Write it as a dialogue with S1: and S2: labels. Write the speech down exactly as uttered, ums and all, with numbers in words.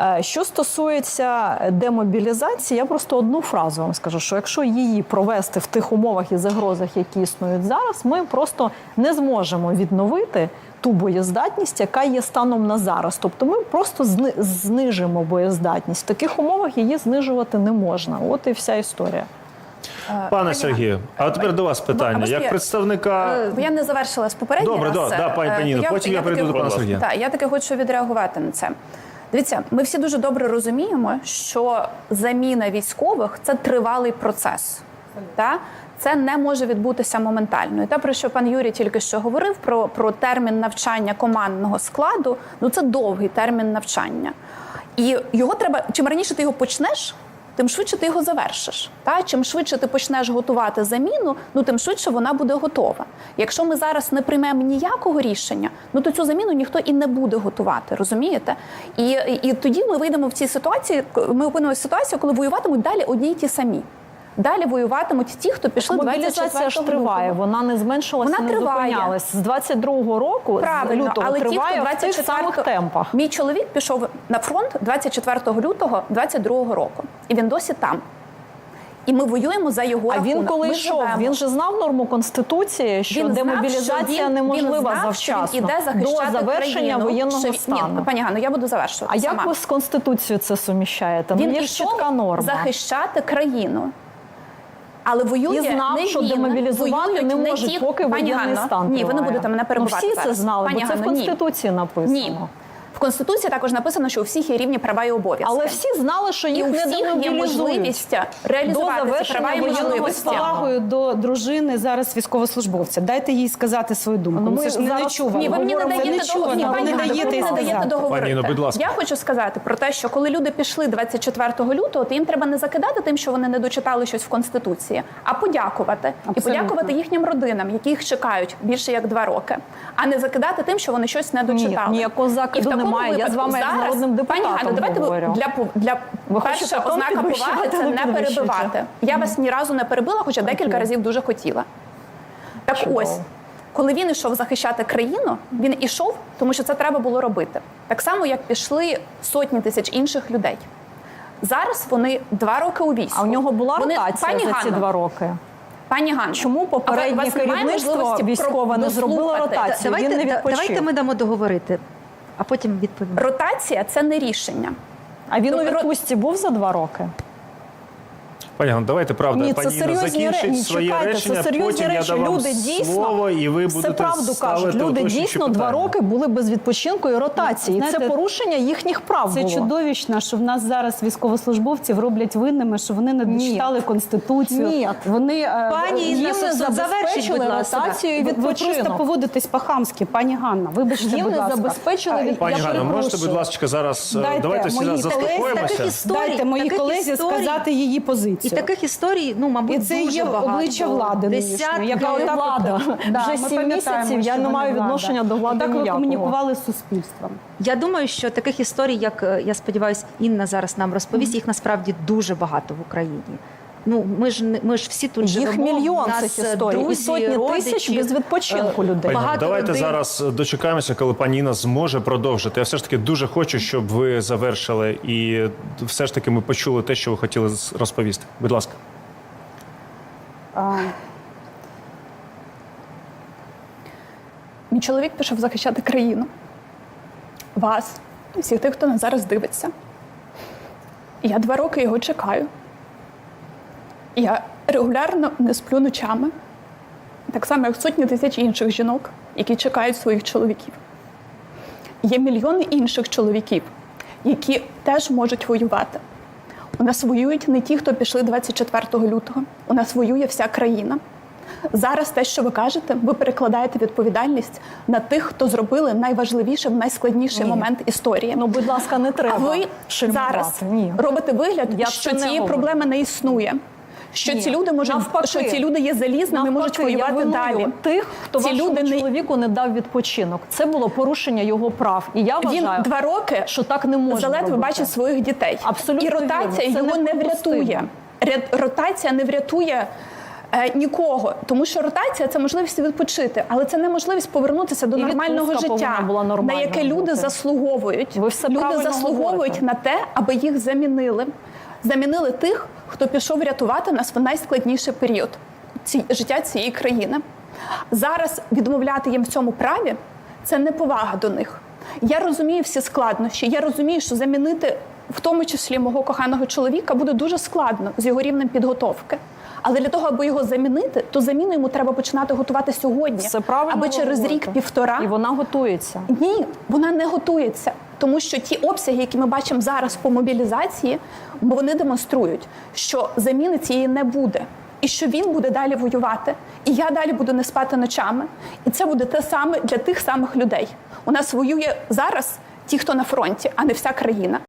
S1: Що стосується демобілізації, я просто одну фразу вам скажу, що якщо її провести в тих умовах і загрозах, які існують зараз, ми просто не зможемо відновити ту боєздатність, яка є станом на зараз. Тобто ми просто знижимо боєздатність. В таких умовах її знижувати не можна. От і вся історія.
S2: Пане Сергію, а тепер до вас питання. Як представника...
S3: Бо я не завершила з попереднього.
S2: Добре, да, да, пані Ніно, потім я прийду до пана Сергія.
S3: Так, я таки хочу відреагувати на це. Дивіться, ми всі дуже добре розуміємо, що заміна військових – це тривалий процес. Так? Це не може відбутися моментально. І те, про що пан Юрій тільки що говорив, про, про термін навчання командного складу, ну це довгий термін навчання. І його треба, чим раніше ти його почнеш, тим швидше ти його завершиш. Та? Чим швидше ти почнеш готувати заміну, ну тим швидше вона буде готова. Якщо ми зараз не приймемо ніякого рішення, ну то цю заміну ніхто і не буде готувати, розумієте? І, і, і тоді ми вийдемо в цій ситуації, ми опинимося в ситуації, коли воюватимуть далі одні й ті самі. Далі воюватимуть ті, хто пішли двадцять четвертого
S1: мобілізація ж триває, вона не зменшилася,
S3: вона
S1: не
S3: триває.
S1: зупинялась. З двадцять другого року,
S3: правильно,
S1: з лютого,
S3: але
S1: триває
S3: ті, хто
S1: в тих самих темпах.
S3: Мій чоловік пішов на фронт двадцять четвертого лютого двадцять другого року. І він досі там. І ми воюємо за його
S1: а
S3: рахунок.
S1: Він коли
S3: ми
S1: йшов,
S3: живемо.
S1: він же знав норму Конституції, що
S3: він
S1: демобілізація
S3: знав, що він,
S1: неможлива
S3: він знав,
S1: завчасно,
S3: що він іде захищати
S1: до завершення
S3: країну,
S1: воєнного
S3: що...
S1: стану.
S3: Ні, пані Ганно, я буду завершувати
S1: А
S3: сама.
S1: як ви з Конституцією це суміщаєте?
S3: Він
S1: ну, є
S3: ішов
S1: чітка норма.
S3: захищати країну. Але воює
S1: і знав,
S3: не
S1: що
S3: він,
S1: демобілізувати не можуть,
S3: ті...
S1: поки воєнний стан триває.
S3: Ні, ви не будете мене перебивати.
S1: Ну, всі це знали,
S3: Пані
S1: бо це
S3: Ганно,
S1: в Конституції
S3: ні.
S1: написано.
S3: Ні. В Конституції також написано, що у всіх є рівні права і обов'язки.
S1: Але всі знали, що їх
S3: і у
S1: не
S3: всіх є можливість реалізувати ці права і можливості.
S4: З повагою до дружини зараз військовослужбовця. Дайте їй сказати свою думку.
S1: Ну, ми
S4: це ж не нечувано.
S3: Ні, ви мені не даєте договорити.
S2: Пані Інно, будь ласка.
S3: Я хочу сказати про те, що коли люди пішли двадцять четвертого лютого, то їм треба не закидати тим, що вони не дочитали щось в Конституції, а подякувати. Абсолютно. І подякувати їхнім родинам, які їх чекають більше як два роки, а не закидати тим, що вони щось не дочитали.
S1: Ні, ніякого закиду немає. Я з вами як з народним депутатом
S3: Пані Ганно, давайте
S1: говорю.
S3: для, для
S1: Ви
S3: перша ознака поваги – це не перебивати. Я вас ні разу не перебила, хоча декілька разів дуже хотіла. Так
S1: Чудово.
S3: ось, коли він ішов захищати країну, він ішов, тому що це треба було робити. Так само, як пішли сотні тисяч інших людей. Зараз вони два роки у війську.
S1: А у нього була
S3: вони...
S1: ротація
S3: Пані
S1: за ці
S3: Ганно,
S1: два роки?
S3: Пані Ганно,
S1: чому попереднє керівництво військове не зробило ротацію?
S5: Давайте,
S1: він не відпочив.
S5: давайте ми дамо договорити, а потім відповімо.
S3: Ротація – це не рішення.
S1: А він
S3: Тобто...
S1: у відпустці був за два роки?
S2: Пані Ганно, давайте, правда,
S1: Ні,
S2: пані Інна закінчить
S1: ні,
S2: своє
S1: чекайте,
S2: речення,
S1: це серйозні
S2: потім
S1: речі.
S2: я дам вам
S1: люди дійсно,
S2: слово, і ви будете
S1: все правду
S2: ставити
S1: кажуть. Люди
S2: уточнюючі
S1: дійсно
S2: питання.
S1: два роки були без відпочинку і ротації.
S4: Знаєте,
S1: це порушення їхніх прав
S4: Це
S1: було.
S4: чудовищно, що в нас зараз військовослужбовців роблять винними, що вони не дочитали
S1: Ні.
S4: Конституцію.
S1: Ні.
S4: Вони,
S5: Пані Інна,
S1: їм не забезпечили ротацію і
S4: ви, ви
S1: відпочинок.
S4: просто поводитесь по-хамськи, пані Ганна. Вибачте,
S1: Їм
S4: будь
S1: не
S4: ласка.
S1: забезпечили від...
S2: Пані
S1: Я
S2: Ганно, можете,
S1: перепрошую.
S2: будь ласка, зараз
S4: Дайте
S2: давайте всі
S4: моїй
S2: заспокоїмося.
S5: колезі
S4: Дайте моїй
S5: таких
S4: колезі
S5: історій-
S4: сказати її
S5: І
S4: позицію.
S5: таких історій, ну, мабуть,
S4: І це
S5: дуже
S4: є
S5: багато.
S4: обличчя влади нинішньої,
S5: Десятки.
S4: яка
S1: Яка
S4: отак
S1: влада?
S4: от- Да,
S1: Вже
S4: ми
S1: сім
S4: пам'ятаємо,
S1: місяців я
S4: що
S1: не
S4: вона
S1: маю
S4: влада.
S1: відношення до влади
S4: Так ви
S1: ніякого.
S4: комунікували з суспільством.
S5: Я думаю, що таких історій, як, е, я сподіваюся, Інна зараз нам розповість, їх насправді дуже багато в Україні. Ну, ми ж, не- ми ж всі тут
S1: Їх
S5: живемо.
S1: мільйон
S5: в нас
S1: цих історій. І
S5: друзі,
S1: сотні
S5: родичі,
S1: тисяч без відпочинку
S5: е,
S1: людей.
S2: Пані Ганно,
S5: багато
S2: давайте
S5: родин.
S2: зараз дочекаємося, коли пані Інна зможе продовжити. Я все ж таки дуже хочу, щоб ви завершили і все ж таки ми почули те, що ви хотіли розповісти. Будь ласка.
S4: А,
S3: Мій чоловік пішов захищати країну. Вас, всіх тих, хто нас зараз дивиться. І я два роки його чекаю. Я регулярно не сплю ночами. Так само, як сотні тисяч інших жінок, які чекають своїх чоловіків. Є мільйони інших чоловіків, які теж можуть воювати. У нас воюють не ті, хто пішли двадцять четвертого лютого. У нас воює вся країна. Зараз те, що ви кажете, ви перекладаєте відповідальність на тих, хто зробили найважливіше в найскладніший
S1: Ні.
S3: момент історії.
S1: Ну, будь ласка, не треба
S3: А ви
S1: шельмувати.
S3: зараз
S1: Ні.
S3: робите вигляд,
S1: Я
S3: що
S1: це не
S3: цієї
S1: говорю.
S3: проблеми не існує. Що
S1: Ні.
S3: ці люди можуть,
S1: Навпаки.
S3: що ці люди є залізними, можуть
S1: Навпаки, я
S3: воювати
S1: виную
S3: далі.
S1: тих, хто
S3: ці
S1: вашому
S3: люди не
S1: чоловіку не дав відпочинок. Це було порушення його прав. І я
S3: він
S1: вважаю,
S3: два роки
S1: що так не можна
S3: заледве
S1: робити.
S3: бачить своїх дітей.
S1: Абсолютно
S3: І ротація
S1: вірно. Це
S3: його не
S1: неприпустимо.
S3: врятує. Ря- Ротація не врятує Е, нікого, тому що ротація – це можливість відпочити, але це не можливість повернутися до
S1: І
S3: нормального
S1: відпустка
S3: життя,
S1: повинна була
S3: на
S1: нормальна
S3: яке люди
S1: бути.
S3: заслуговують.
S1: Ви все
S3: Люди
S1: правильно
S3: заслуговують
S1: говорите.
S3: на те, аби їх замінили. Замінили тих, хто пішов рятувати нас в найскладніший період ці, життя цієї країни. Зараз відмовляти їм в цьому праві – це неповага до них. Я розумію всі складнощі, я розумію, що замінити в тому числі мого коханого чоловіка буде дуже складно з його рівнем підготовки. Але для того, аби його замінити, то заміну йому треба починати готувати сьогодні,
S1: Все правильно
S3: аби
S1: ви
S3: через
S1: говорите.
S3: рік-півтора.
S1: І вона готується.
S3: Ні, вона не готується. Тому що ті обсяги, які ми бачимо зараз по мобілізації, вони демонструють, що заміни цієї не буде. І що він буде далі воювати. І я далі буду не спати ночами. І це буде те саме для тих самих людей. У нас воює зараз ті, хто на фронті, а не вся країна.